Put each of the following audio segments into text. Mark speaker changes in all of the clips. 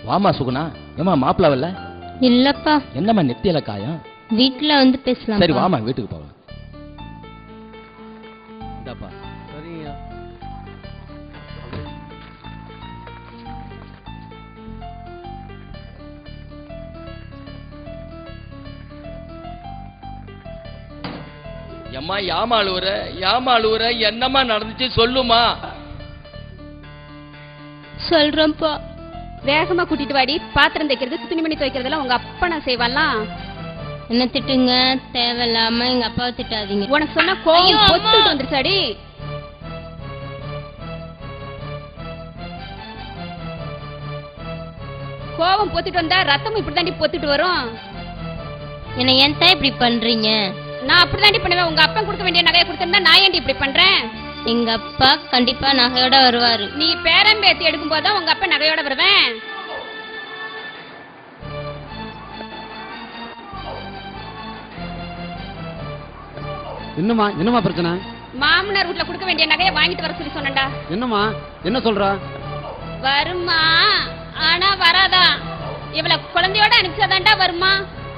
Speaker 1: வாமா சுகுணா. ஏமா மாப்பிளவல்ல?
Speaker 2: இல்லப்பா.
Speaker 1: என்னம்மா நெத்தியில காயம்?
Speaker 2: வீட்டுல வந்து பேசலாம்.
Speaker 1: சரி வாமா வீட்டுக்கு போவா. இந்தாப்பா.
Speaker 3: சரிங்க.
Speaker 1: எம்மா ஏமாளுவர என்னம்மா நடந்துச்சு சொல்லுமா.
Speaker 2: சொல்றேன்ப்பா.
Speaker 4: வேகமா கூட்டிட்டு வாடி. பாத்திரம் தைக்கிறது துணிமணி துவைக்கிறதெல்லாம் உங்க அப்பா நான் செய்வான்லாம்.
Speaker 2: என்ன திட்டுங்க, தேவையில்லாம எங்க அப்பாவை திட்டாதீங்க.
Speaker 4: உனக்கு சொன்ன கோவம் பொத்துட்டு வந்துருச்சாடி. கோவம் பொத்துட்டு வந்தா ரத்தமும் இப்படிதாண்டி பொத்துட்டு வரும்.
Speaker 2: என்ன ஏன் தான் இப்படி பண்றீங்க?
Speaker 4: நான் அப்படிதாண்டி பண்ணுவேன். உங்க அப்பா கொடுக்க வேண்டிய நகையை கொடுத்திருந்தா நான் ஏன்டி இப்படி பண்றேன்?
Speaker 2: எங்க அப்பா கண்டிப்பா நகையோட வருவாரு.
Speaker 4: நீ பேரம்பேத்தி எடுக்கும் போதுதான் உங்க அப்பா நகையோட வருவேன்.
Speaker 3: என்னம்மா பிரச்சனை?
Speaker 4: மாமனார் வீட்டுல கொடுக்க வேண்டிய நகையை வாங்கிட்டு வர சொல்லி சொன்னேன்டா.
Speaker 3: என்னம்மா என்ன சொல்ற?
Speaker 4: வருமா, ஆனா வராதா. இவள குழந்தையோட அனுப்பிச்சாதான்டா வருமா.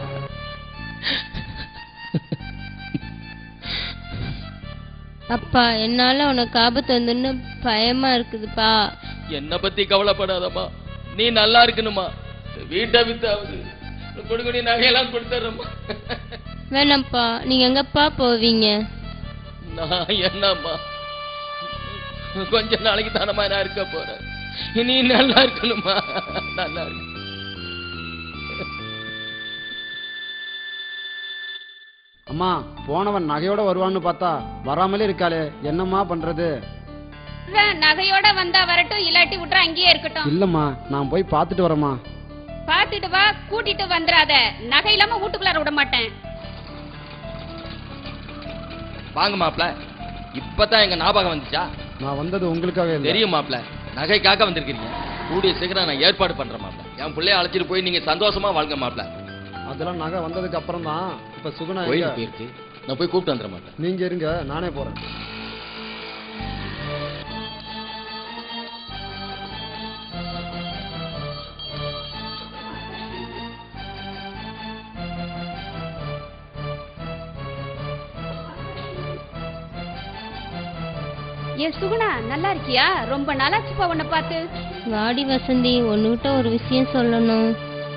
Speaker 2: அப்பா என்னால உனக்கு ஆபத்து வந்துன்னு பயமா இருக்குதுப்பா.
Speaker 1: என்ன பத்தி கவலைப்படாதம்மா, நீ நல்லா இருக்கணுமா. வீட்டை வித்தாவது கொடுக்கடி நகையெல்லாம் கொடுத்துறம்மா.
Speaker 2: வேணாம்ப்பா. நீங்க எங்கப்பா போவீங்க?
Speaker 1: நான் என்னம்மா கொஞ்ச நாளைக்கு தானம்மா நான் இருக்க போறேன். நீ நல்லா இருக்கணுமா. நல்லா இருக்கு.
Speaker 3: அம்மா போனவன் நகையோட வருவான்னு பார்த்தா வராமலே இருக்காளே, என்னம்மா பண்றது?
Speaker 4: நகையோட வந்தா வரட்டும், இல்லாட்டி விட்டுற அங்கேயே இருக்கட்டும்.
Speaker 3: இல்லம்மா நான் போய் பார்த்துட்டு வரேம்மா.
Speaker 4: பாத்துட்டு வா, கூட்டிட்டு வந்துடாத. நகை இல்லாம வீட்டுக்குள்ளார விட மாட்டேன்.
Speaker 1: வாங்க மாப்ள. இப்பதான் எங்க ஞாபகம் வந்துச்சா?
Speaker 3: நான் வந்தது உங்களுக்காக இல்ல.
Speaker 1: தெரியும் மாப்ள, நகைக்காக வந்திருக்கீங்க. கூடிய சீக்கிரம் நான் ஏற்பாடு பண்றேன் மாப்ள. என் பிள்ளைய அழைச்சிட்டு போய் நீங்க சந்தோஷமா வாழ்க மாப்ள.
Speaker 3: அதெல்லாம் நகை வந்ததுக்கு அப்புறம் தான். இப்ப சுகுணா
Speaker 1: போயிருக்கு, நான் போய் கூப்பிட்டு வந்துடுறேன் மாப்ள.
Speaker 3: நீங்க இருங்க, நானே போறேன்.
Speaker 4: ஏ சுகுணா, நல்லா இருக்கியா? ரொம்ப நாளாச்சுப்பா உன்னை பார்த்து.
Speaker 2: வாடி வசந்தி, ஒன்னுகிட்ட ஒரு விஷயம் சொல்லணும்.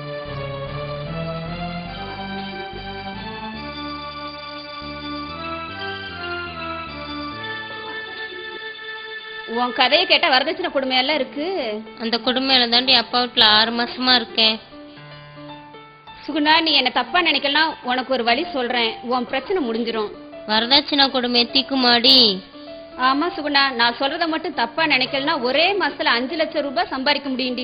Speaker 4: உன் கதையை கேட்டா வரதட்சணை கொடுமையெல்லாம் இருக்கு.
Speaker 2: அந்த கொடுமையில தாண்டி அப்பா வீட்டுல 6 மாசமா இருக்கேன்.
Speaker 4: சுகுணா, நீ என்ன தப்பா நினைக்கலாம். உனக்கு ஒரு வழி சொல்றேன், உன் பிரச்சனை முடிஞ்சிரும்.
Speaker 2: வரதட்சணை கொடுமை தீக்குமாடி?
Speaker 4: ஆமா சுகுணா, நான் சொல்றத மட்டும் தப்பா நினைக்கலனா ஒரே மாசத்துல 5 லட்சம் ரூபாய் சம்பாதிக்க முடியும்டி.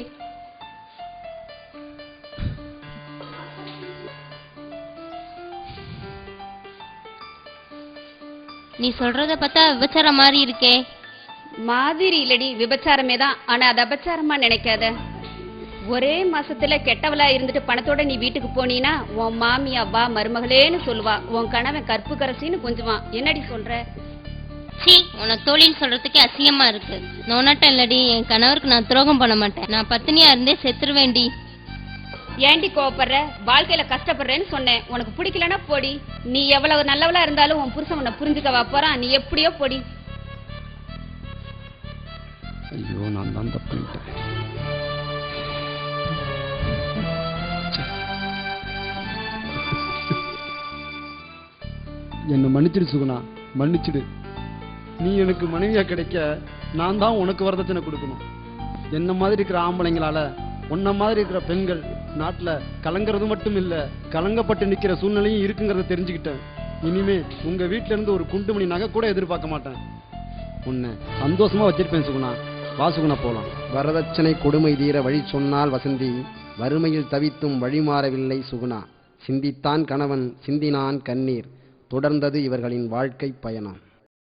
Speaker 2: நீ சொல்றத பார்த்தா விபச்சாரம் மாதிரி இருக்கே.
Speaker 4: மாதிரி இல்லடி, விபச்சாரமே தான். ஆனா அது அபச்சாரமா நினைக்காத. ஒரே மாசத்துல கெட்டவளா இருந்துட்டு பணத்தோட நீ வீட்டுக்கு போனீனா உன் மாமியா வா மருமகளேன்னு சொல்லுவா. உன் கணவன் கற்பு கரசின்னு கொஞ்சுவான். என்னடி சொல்ற?
Speaker 2: சீ, உன தோழின்னு சொல்றதுக்கே அசிங்கமா இருக்கு. நோனாட்டம் இல்லடி, என் கணவருக்கு நான் துரோகம் பண்ண மாட்டேன். நான் பத்தினியா இருந்தே செத்துருவேண்டி.
Speaker 4: ஏண்டி கோவப்படுற? வாழ்க்கையில கஷ்டப்படுறேன்னு சொன்னேன். உனக்கு பிடிக்கலன்னா போடி. நீ எவ்வளவு நல்லவளா இருந்தாலும் உன் புருஷன் உன்னை புரிஞ்சுக்கவா போறான்? நீ எப்படியோ போடி.
Speaker 3: ஐயோ, நான் தான் தப்பு பண்ணிட்டேன். என்ன மன்னிச்சிடு சுகுணா, மன்னிச்சிடு. நீ எனக்கு மனைவியா கிடைக்க நான் தான் உனக்கு வரதட்சணை கொடுக்கணும். என்ன மாதிரி இருக்கிற ஆம்பளைங்களால உன்ன மாதிரி இருக்கிற பெண்கள் நாட்டுல கலங்கிறது மட்டும் இல்ல, கலங்கப்பட்டு நிக்கிற சூழ்நிலையும் இருக்குங்கிறத தெரிஞ்சுக்கிட்டேன். இனிமே உங்க வீட்டுல இருந்து ஒரு குண்டுமணி நகை கூட எதிர்பார்க்க மாட்டேன். உன்னை சந்தோஷமா வச்சிருப்பேன் சுகுணா. வா சுகுணா போலாம்.
Speaker 5: வரதட்சணை கொடுமை தீர வழி சொன்னால் வசந்தி, வறுமையில் தவித்தும் வழி மாறவில்லை சுகுணா. சிந்தித்தான் கணவன், சிந்தினான் கண்ணீர், தொடர்ந்தது இவர்களின் வாழ்க்கை பயணம்.